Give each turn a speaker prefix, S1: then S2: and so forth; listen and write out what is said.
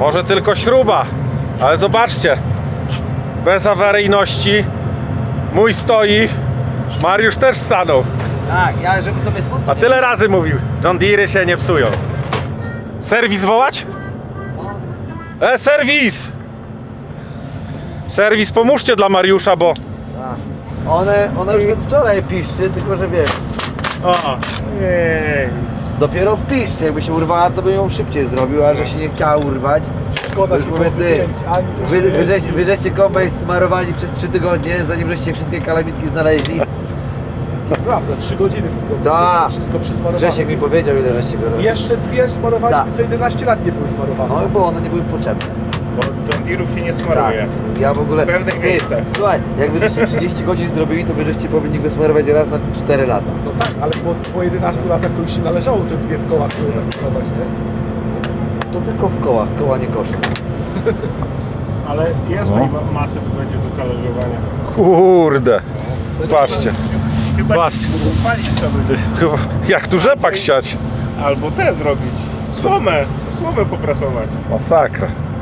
S1: Może tylko śruba, ale zobaczcie. Bez awaryjności. Mój stoi. Mariusz też stanął.
S2: Tak, ja żeby to mnie smutno.
S1: A tyle razy mówił. John Deere się nie psują. Serwis wołać? Serwis! Serwis, pomóżcie dla Mariusza, bo...
S2: One już od wczoraj piszczy, tylko że wiesz,
S1: O, nie.
S2: dopiero piszczy, jakby się urwała, to bym ją szybciej zrobił, a że się nie chciała urwać.
S3: Szkoda się
S2: mówię, ty, wy żeście kombajn smarowali przez 3 tygodnie, zanim żeście wszystkie kalamitki znaleźli.
S3: Prawda, 3 godziny w tygodniu.
S2: Tak.
S3: Wszystko przesmarowane.
S2: Grzesiek mi powiedział, ile żeście go robili.
S3: Jeszcze 2 smarowaliśmy,
S2: Tak.
S3: co 11 lat nie były smarowane.
S2: No bo one nie były potrzebne.
S4: Bo John Deere'ów się nie
S2: Tak.
S4: smaruje.
S2: Ja w ogóle...
S4: W pewnych miejscach.
S2: Słuchaj, jak wy żeście 30 godzin zrobili, to wy żeście powinni go smarować raz na 4 lata.
S3: No tak, ale po 11 latach to już się należało te 2 w kołach smarować, nie?
S2: To tylko w kołach, koła nie kosztują.
S4: Ale jest tutaj masę, to będzie do talerzowania.
S1: Kurde. Patrzcie.
S4: Chyba
S1: Patrzcie.
S4: palić trzeba by.
S1: Chyba, jak tu rzepak siać.
S4: Albo te zrobić. Słomę poprasować.
S1: Masakra.